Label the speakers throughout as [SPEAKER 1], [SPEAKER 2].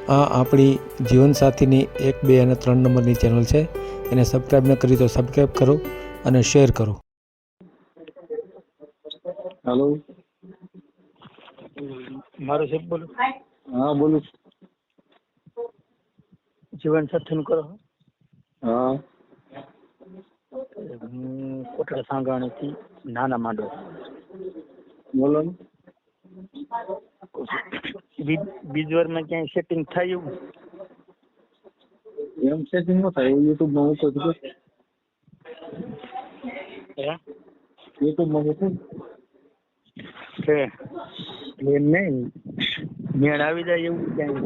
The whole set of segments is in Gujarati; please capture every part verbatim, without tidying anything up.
[SPEAKER 1] આ આપણી જીવનસાથીની એક બે અને ત્રણ નંબરની ચેનલ છે. એને સબસ્ક્રાઈબ ન કરી તો સબસ્ક્રાઈબ કરો અને શેર કરો.
[SPEAKER 2] હેલો,
[SPEAKER 3] મારું સાહેબ બોલું.
[SPEAKER 2] હા બોલું.
[SPEAKER 3] જીવન સાથીનું કરો.
[SPEAKER 2] હા,
[SPEAKER 3] હું કોટડા સાંગાણીથી નાના માંડો.
[SPEAKER 2] બોલો ને.
[SPEAKER 3] બીજ વારમાં ક્યાંય સેટિંગ થાય એવું?
[SPEAKER 2] એમ સેટિંગ ન થાય એવું યુટ્યુબમાં મૂકો તો
[SPEAKER 3] હે
[SPEAKER 2] યુટ્યુબમાં મૂકો
[SPEAKER 3] છે એમ નહીં, મેળ આવી જાય એવું ક્યાંય?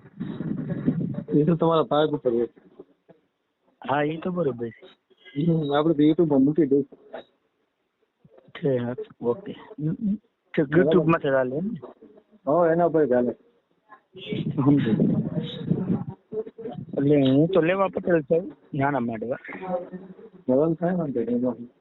[SPEAKER 2] એ તો તમારા ભાગ ઉપર હોય.
[SPEAKER 3] હા એ તો બરોબર છે.
[SPEAKER 2] હમ, આપણે તો યુટ્યુબમાં મૂકી દઉં.
[SPEAKER 3] છે ઓકે. યુટ્યુબ માં ચાલે એમ?
[SPEAKER 2] હા, એના પર ચાલે.
[SPEAKER 3] સમજો. એટલે હું તો લેવા પટેલ છું, નાના માંડવા.
[SPEAKER 2] નવલ થાય વાંધો નહીં.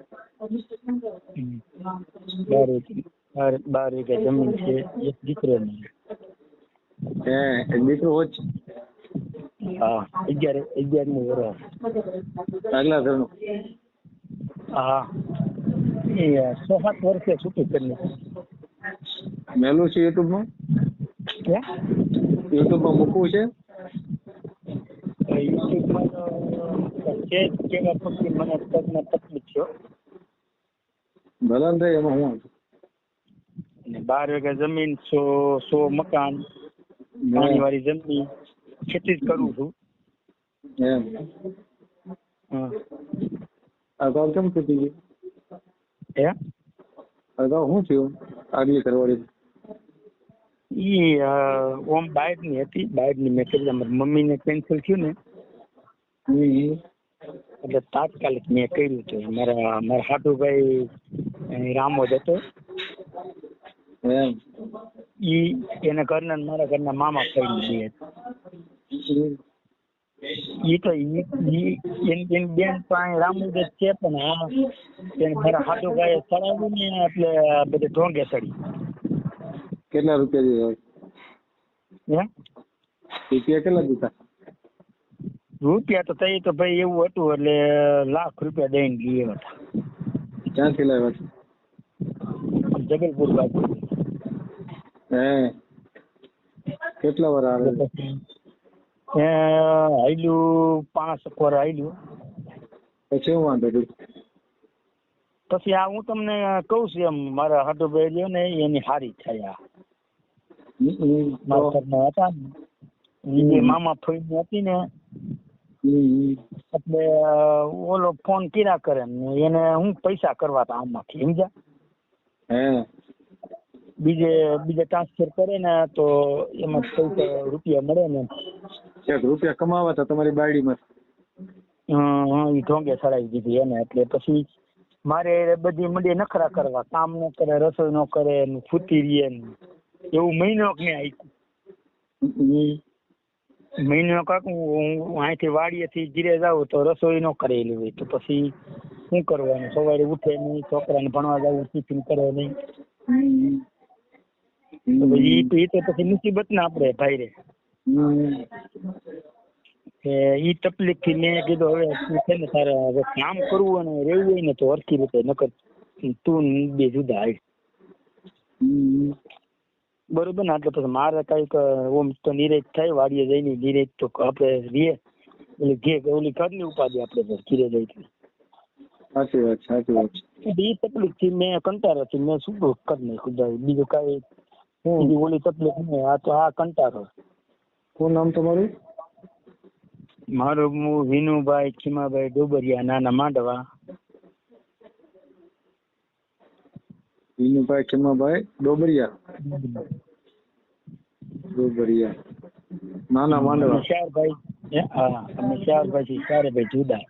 [SPEAKER 3] બાર બાર બાર વીઘા જમીન છે, એક દીકરો નહીં.
[SPEAKER 2] હે એક દીકરો હોત?
[SPEAKER 3] હા, અગિયાર અગિયાર નું વર્ષ.
[SPEAKER 2] આગલા ઘરનું?
[SPEAKER 3] હા, એ છ સાત વર્ષે છૂટું કરી.
[SPEAKER 2] મેલું છે યુટ્યુબમાં?
[SPEAKER 3] ક્યાં
[SPEAKER 2] યુટ્યુબમાં મૂકવું છે?
[SPEAKER 3] યુટ્યુબમાં છે કેવા પછી મને પગમાં તકલીફ છે.
[SPEAKER 2] ભલે ને થાય, એમાં હું
[SPEAKER 3] અને બાર વીઘા જમીન, સો સો મકાન, પાણી વાળી જમીન, ખેતી જ કરું છું.
[SPEAKER 2] એમ
[SPEAKER 3] હા.
[SPEAKER 2] અગાઉ કેમ તૂટી ગઈ?
[SPEAKER 3] હે
[SPEAKER 2] અગાઉ શું થયું? આગલી કરવાળી
[SPEAKER 3] ઈ ઓમ બાઇક ની હતી, બાઇક ની મેં કરી. મારી મમ્મી ને કેન્સલ થયું ને
[SPEAKER 2] હમ
[SPEAKER 3] એટલે તાત્કાલિક મેં કર્યું હતું. મારા મારા હાટુભાઈ રામોદ હતો.
[SPEAKER 2] એમ
[SPEAKER 3] ઈ એના ઘરના ને મારા ઘરના મામા ફરી બે ઈ તો ઈ એની બેન તો અહીં રામોદ જ છે, પણ આ એને મારા હાટુભાઈ ચડાવ્યું ને એટલે બધે ઢોંગે ચડી.
[SPEAKER 2] કેટલા રૂપિયા દીધા?
[SPEAKER 3] હે
[SPEAKER 2] રૂપિયા કેટલા દીધા?
[SPEAKER 3] રૂપિયા તો તઈ તો ભાઈ એવું હતું એટલે લાખ રૂપિયા દઈને લઈ હતા.
[SPEAKER 2] ક્યાંથી લાવ્યા છો?
[SPEAKER 3] જબલપુર બાજુ.
[SPEAKER 2] હે કેટલા વાર આવે?
[SPEAKER 3] એ હાલ્યું પાંચ પર હાલ્યું.
[SPEAKER 2] પછી હું વાંધો છું.
[SPEAKER 3] પછી આ હું તમને કહું છું એમ, મારા હાટુભાઈ રહ્યો ને એની હારી થયા. મારા ઘરના હતા ને મામા ફઈ હતી ને એટલે ઓલો ફોન કર્યા કરે ને એને હું પૈસા કરવા હતા આમાંથી, સમજ્યા?
[SPEAKER 2] હે
[SPEAKER 3] બીજે બીજે ટ્રાન્સફર કરે ને તો એમાં પૈસા રૂપિયા મળે ને.
[SPEAKER 2] એક રૂપિયા કમાવા હતા તમારી બાયડીમાં?
[SPEAKER 3] હા, એ ઢોંગે ચડાવી દીધી એને. એટલે પછી મારે બધી મંડી નખરા કરવા, કામ ન કરે, રસોઈ ન કરે, ફૂતી રહીએ ને એવું મહિનો ને આયકું. મહિનો કાક હું અહીંથી વાડીએથી ઘીરે જાઉં તો રસોઈ ન કરેલી હોય તો પછી શું કરવાનું? સવારે ઉઠે નહીં, છોકરાને ભણવા જવું, ટિફિન કરે નહીં. તો એ તો પછી મુસીબત ને આપણે ભાઈ રે. ઈ તકલીફ થી મેં કીધું હવે તું છે ને તારે હવે કામ કરવું અને રહેવું હોય ને તો હરખી રીતે નકર તું બે જુદા હાલ. બરોબર ને? એટલે પછી મારે કઈક ઓમ તો નિરેજ થાય, વાડીએ જઈને નિરેજ તો આપણે રીએ ઓલી ઘે ઓલી ઘરની ઉપાધિ આપણે ઘીરે જઈ.
[SPEAKER 2] સાચી વાત, સાચી વાત.
[SPEAKER 3] એ તકલીફ થી મેં કંટાળો થી મેં શું કરી નાખ્યું. બીજું કઈ બીજી ઓલી તકલીફ નહીં, આ તો આ કંટાળો.
[SPEAKER 2] શું નામ તમારું?
[SPEAKER 3] મારું હું વિનુભાઈ ખીમાભાઈ ડોબરિયા, નાના માંડવા.
[SPEAKER 2] વિનુભાઈ ખીમાભાઈ ડોબરિયા ડોબરિયા નાના માંડવા.
[SPEAKER 3] શારભાઈ, હા અમે શારભાઈ શારભાઈ જુદા.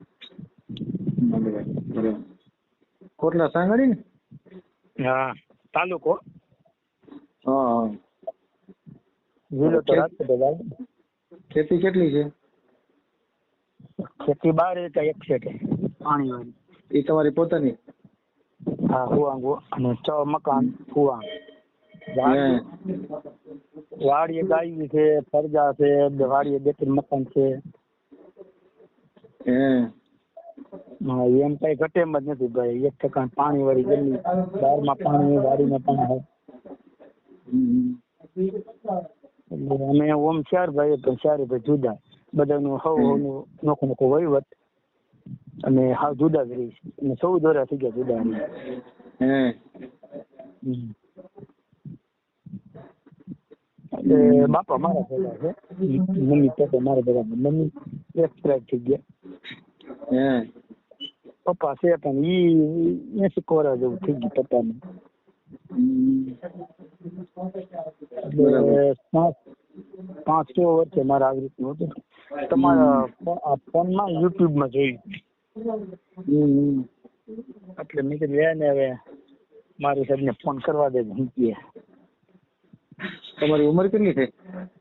[SPEAKER 2] બરાબર. કોટલા સાંગડી ને?
[SPEAKER 3] હા, તાલુકો.
[SPEAKER 2] હા હા.
[SPEAKER 3] જિલ્લો તો રાજકોટ.
[SPEAKER 2] ખેતી કેટલી છે?
[SPEAKER 3] ખેતી બાર વીઘા એક છે કે પાણી વાળી.
[SPEAKER 2] એ તમારી પોતાની?
[SPEAKER 3] હા, હુવાંગ અને છ મકાન હુવાંગ. વાડીએ ગાયું છે, ફરજા છે, બે વાડીએ બે ત્રણ મકાન છે.
[SPEAKER 2] હે
[SPEAKER 3] હા, એમ કઈ ઘટે એમ જ નથી ભાઈ. એક ટકા પાણી વાળી ગલી, બારમાં પાણી, વાડીમાં પાણી હોય.
[SPEAKER 2] હમ.
[SPEAKER 3] એટલે અમે ઓમ ચાર ભાઈ પણ ચારે ભાઈ જુદા, બધાનું હવ હવનું નોખો નોખો વહીવટ અને હાવ જુદા જ રહીશ. અને ચૌદ વર્ષ થઈ ગયા જુદા રહી.
[SPEAKER 2] હે
[SPEAKER 3] હમ. એટલે બાપા મારા ભેગા છે, મમ્મી પપ્પા મારા ભેગા. મમ્મી એક્સપાયર થઈ ગયા.
[SPEAKER 2] હે
[SPEAKER 3] પપ્પા છે પણ ઈ એસી કોરા જેવું થઈ ગયું પપ્પાને.
[SPEAKER 2] હમ.
[SPEAKER 3] એટલે પાંચ પાંચ છ વર્ષે મારે આવી રીતનું હતું. તમારા આ ફોનમાં યુટ્યુબમાં જોયું.
[SPEAKER 2] હમ.
[SPEAKER 3] એટલે મેં કીધું લે ને હવે મારી સાહેબને ફોન કરવા દે. મૂકીએ.
[SPEAKER 2] તમારી ઉંમર કેટલી છે?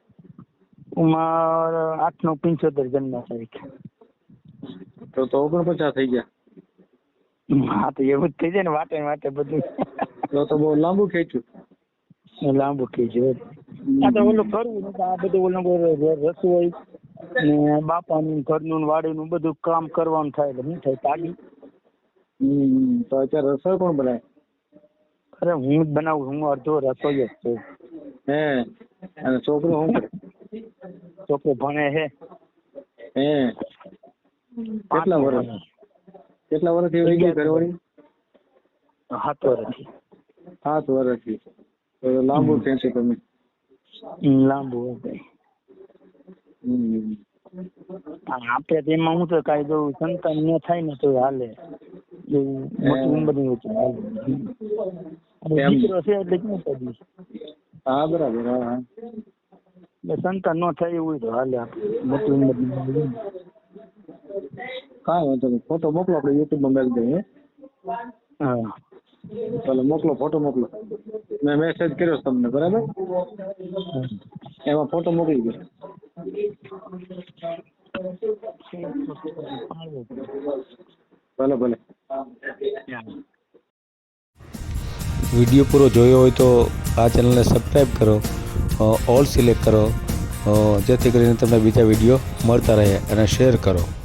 [SPEAKER 3] ઉંમર આઠ નવ પંચોતેર જન્મ તારીખ.
[SPEAKER 2] તો તો ઓગણપચાસ થઈ ગયા.
[SPEAKER 3] હા તો એવું જ થઈ જાય ને વાટે વાટે બધું.
[SPEAKER 2] તો તો બહુ લાંબુ ખેંચ્યું.
[SPEAKER 3] લાંબુ ખેંચ્યું. આ તો ઓલું કરવું ને આ બધું ઓલું રસોઈ ને બાપાનું ઘરનું વાડીનું બધું કામ કરવાનું થાય એટલે શું થાય તાગી.
[SPEAKER 2] હમ. તો અત્યારે રસોઈ કોણ બનાવે?
[SPEAKER 3] અરે હું જ બનાવું. હું અડધો રસોઈ જ છું.
[SPEAKER 2] હે અને છોકરો શું કરે?
[SPEAKER 3] છોકરો ભણે છે.
[SPEAKER 2] હે કેટલા વર્ષ કેટલા વર્ષથી વહી ગઈ ઘરવાળી?
[SPEAKER 3] સાત વર્ષથી.
[SPEAKER 2] સાત વર્ષથી. તો લાંબુ ખેંચે તમે.
[SPEAKER 3] લાંબુ હોય.
[SPEAKER 2] હમ.
[SPEAKER 3] આપડે તેમાં હું તો કઈ દઉં સંતાન ન થાય ને તો હાલે. એવું મોટી ઉંમર ની હાલે. દીકરો છે એટલે શું કરીશ?
[SPEAKER 2] હા બરાબર. હા હા.
[SPEAKER 3] એટલે સંતાન ન થાય એવું તો હાલે. આપણે મોટી ઉંમર ની
[SPEAKER 2] કાંઈ વાંધો નહીં. ફોટો મોકલો, આપણે યુટ્યુબમાં મેળ દઈએ.
[SPEAKER 3] હા
[SPEAKER 2] ચાલો મોકલો, ફોટો મોકલો. મેં મેસેજ કર્યો છે તમને, બરાબર? એમાં ફોટો મોકલી દો. ભલે ભલે.
[SPEAKER 1] વિડીયો પૂરો જોયો હોય તો આ ચેનલને સબસ્ક્રાઈબ કરો, ઓલ સિલેક્ટ કરો, જેથી કરીને તમને બીજા વિડીયો મળતા રહે, અને શેર કરો.